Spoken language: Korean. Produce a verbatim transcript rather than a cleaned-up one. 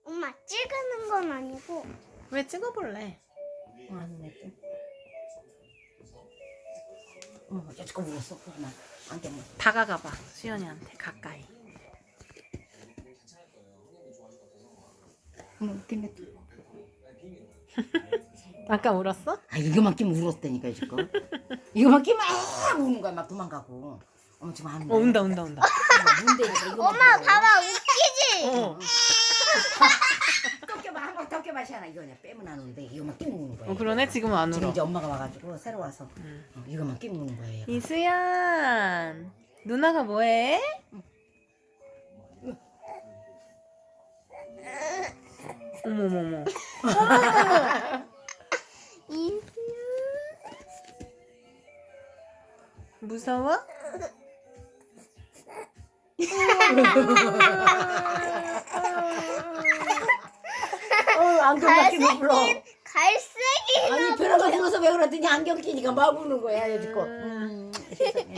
엄마 찍는 건 아니고. 왜 찍어볼래? 어, 안 냈어. 어, 여지껏 울었어. 그만. 안경 뭐. 다가가봐 수연이한테 가까이. 어머, 웃긴데. 아까 울었어? 아, 이거만 끼면 울었다니까, 지금. 이거만 끼면 막 우는 거야, 막 도망가고. 어머, 지금 안 어 운다 운다 운다. 엄마 봐봐 웃기지? 어. 덮겨봐, 한번 덮겨봐, 시아나. 이거 그냥 빼면 안 우는데, 이거만 끼면 우는 거야. 어 그러네 지금은 안 지금 울어. 이제 엄마가 와가지고 새로 와서 응. 어, 이거만 끼면 우는 거야. 얘가. 이수연 누나가 뭐해? 어머머머. 이수연. 무서워? 어, 안경만 끼면 울어. 갈색이. 아니, 벼락을 들어서 왜 그러더니 안경 끼니까 막 우는 거야, 여지껏. 음. 음, 세상에.